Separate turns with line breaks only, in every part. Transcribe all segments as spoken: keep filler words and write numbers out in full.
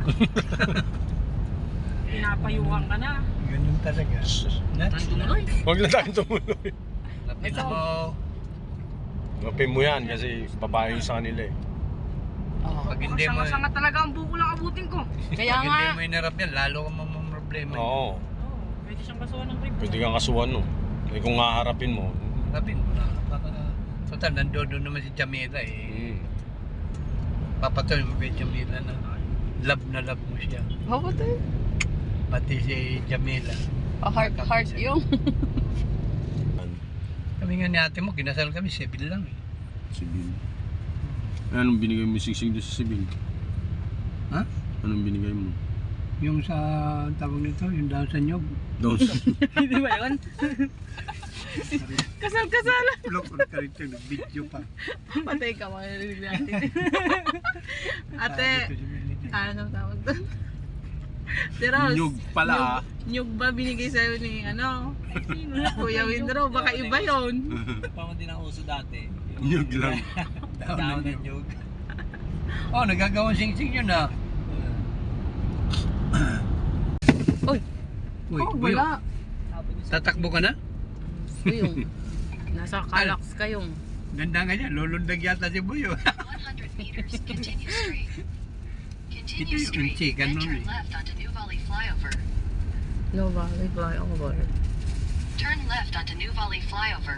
Pinapayuhan ka na.
Ganun talaga.
Nang tumuloy.
Huwag na tayong tumuloy.
Lapit mo.
Gapin mo yan kasi babae yung sa kanila eh.
Oh, pag hindi mo,
Sanga-sanga talaga ang buko lang abutin ko.
kaya pag hindi mo inarap yan, lalo ka mamamroblema.
Oo.
Oo, pwede siyang kasuhan ng rib.
Pwede kang kasuhan no. Eh kung haharapin mo.
Harapin mo na. Total, nandoon naman si Jamila eh.
Hmm.
Papatuloy mo kay Jamila na love na love mo siya.
Mapatay.
Pati si Jamila.
Oh, heart, heart yung.
Kami nga ni ate mo, kinasal kami, civil lang eh.
Sibil. Eh, anong binigay mo sigsig doon sa Sibil?
Ha?
Anong binigay mo?
Yung sa tawag nito, yung down sa nyog.
Doon sa...
Hindi ba yun? Kasal-kasalan.
Vlog on ka rin ito, video pa.
Patay ka, makarinig natin. Ate, ano tawag doon? Pero,
Nyug pala ah.
nyug ba binigay sa'yo ni, ano? Kuya Windro, baka iba yun.
Parang din ang uso dati.
Nyug lang.
Down ng nyug.
Oh, nagagawang sing-sing yun ah.
Uy,
Uy,
oh,
Buyo,
wala.
tatakbo ka na?
Buyong. Nasa Calax kayong.
Ganda nga yan, lulundag yata si Buyo.
one hundred meters, continue straight.
Ito
Continue
yung
straight,
chicken
then
nun
turn
eh.
left onto New Valley Flyover.
No valley flyover.
Turn left onto New Valley Flyover.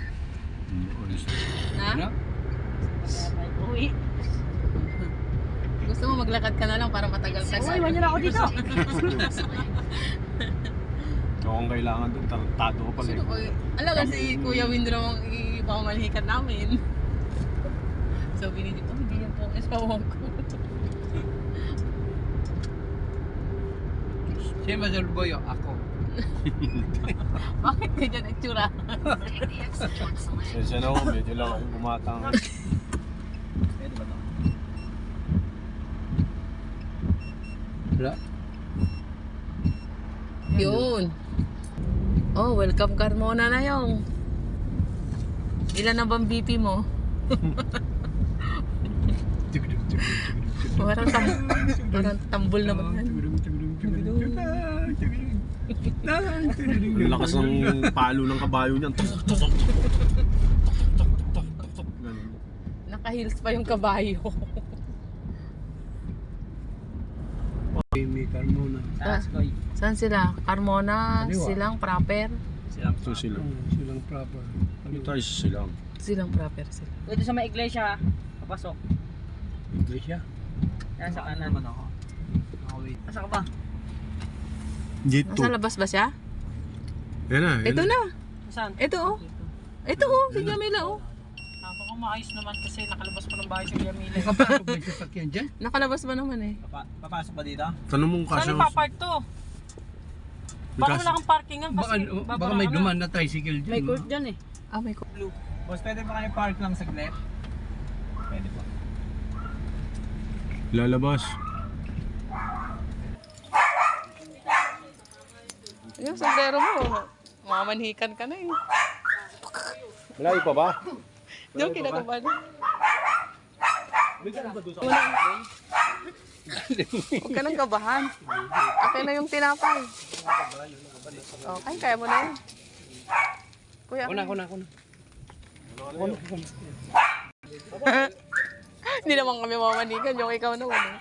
Ano?
Na? Uwi. Gusto mo maglakad ka na lang para matagal ka.
Uy, iwan niyo na ako dito.
Ikaw ang kailangan doon. Tarantado ka pala
Sino
eh.
ko? Alam kasi Kuya Windro ang ipamanhikan namin. So binigit, oh hindi yan po ang espawang ko.
Sino ba sa Buyo? Ako.
Bakit ganyan ang tsura?
Take the exit towards the left.
Sensya na ako, medyo lang ako bumatang.
Pwede ba ito?
Wala.
Yun. Oh, welcome Carmona na yung. Ilan na bang B P mo? Parang, tam parang tambol na ba?
Ang lakas ng palo ng kabayo niyan. Tok, tok, tok, tok, tok, tok, tok, tok, tok, tok. Ganun.
Naka-heels pa yung kabayo.
May Carmona.
Ah, saan sila? Carmona,
Kaliwa.
silang proper.
Silang
Ito sila.
Oh, silang proper.
Ano tayo sa silang?
Silang proper sila.
Pwede sa may iglesia, papasok.
Iglesia.
Yan sa kanan.
naman ako. Nakawait.
Asa ka ba?
Dito.
Nasa labas ba siya?
Yan na. yan
Ito na.
Saan?
Ito oh. Ito oh, si Jamila oh.
Napaka maayos naman kasi nakalabas pa ng bahay si Yamila.
Nakapasok ba yung sasakyan dyan?
Nakalabas ba naman eh?
Papa, papasok ba dito?
Tanong mo
Saan
kasi.
yung papark to? Baka wala kang parkingan
Baka,
kasi
baka may dumaan na tricycle dyan.
May
no?
court dyan eh.
Ah, may ko.
Boss, pwede ba kayo park lang saglit? Pwede po.
Lalabas.
Yung sombrero mo, mamanhikan ka na eh.
Malayo pa ba?
Diyan kinakabahan. Huwag ka nang kabahan. Akin na yung tinapay. Okay, kaya mo na yun. Kuya,
Kuna, kuna, kuna.
hindi naman kami mamanikan. Yung ikaw naman eh.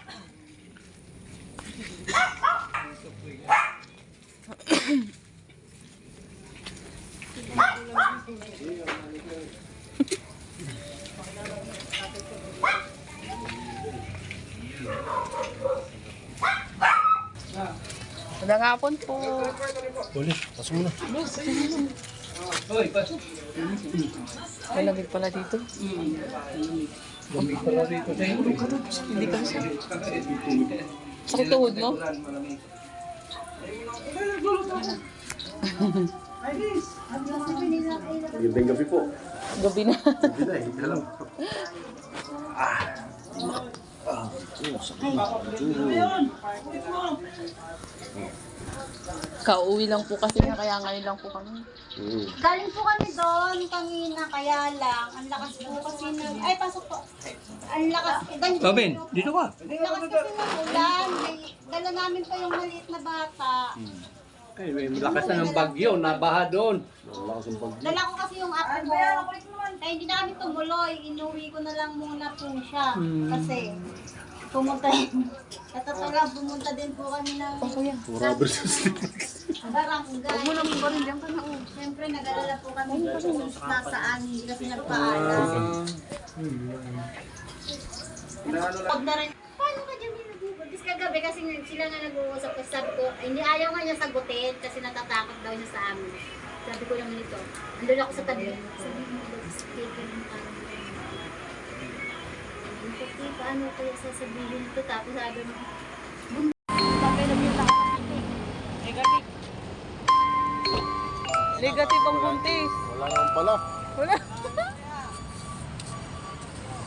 Magandang hapon po.
Ulit, pasok mo na.
Hoy, pasok.
Malamig pala dito.
Lamig pala rito sa inyo.
Hindi ka siya. Sakit tuhod mo?
Gandang gabi po.
Gabi na.
Gabi na eh, hindi alam.
Kauwi lang po kasi na kaya ngayon lang po kami.
Mm.
Galing po kami doon kanina, kaya lang, ang lakas po kasi ng, ay pasok po, ang lakas, ganito.
Robin, dito ka.
Ang lakas kasi ng ulan, may dala namin pa yung maliit na bata.
Ay, may lakas na ng bagyo, nabaha doon.
Wala kasing pag...
Dala ko kasi yung apo mo. Kaya hindi na kami tumuloy. Inuwi ko na lang muna po siya. Kasi pumunta sa totoo lang, pumunta din po kami ng
Rubber sa
barangay.
Huwag mo naman ba rin dyan ka na oh.
Siyempre, nag-alala po kami kung nasaan, hindi kasi nagpaalam. Huwag na rin. Paano ka dyan nilagubod? Tapos kagabi kasi nga- sila nga nag-uusap kasi sabi ko, ay, hindi ayaw nga niya sagutin kasi natatakot daw siya sa amin. Sabi ko naman ito, andun ako sa tabi. Sabi mo, speaker ng parang Kasi paano kaya sasabihin ito? Tapos sabi mo,
Bagay na yung nakakapitin. Negative.
Negative ang buntis.
Wala naman pala.
Wala.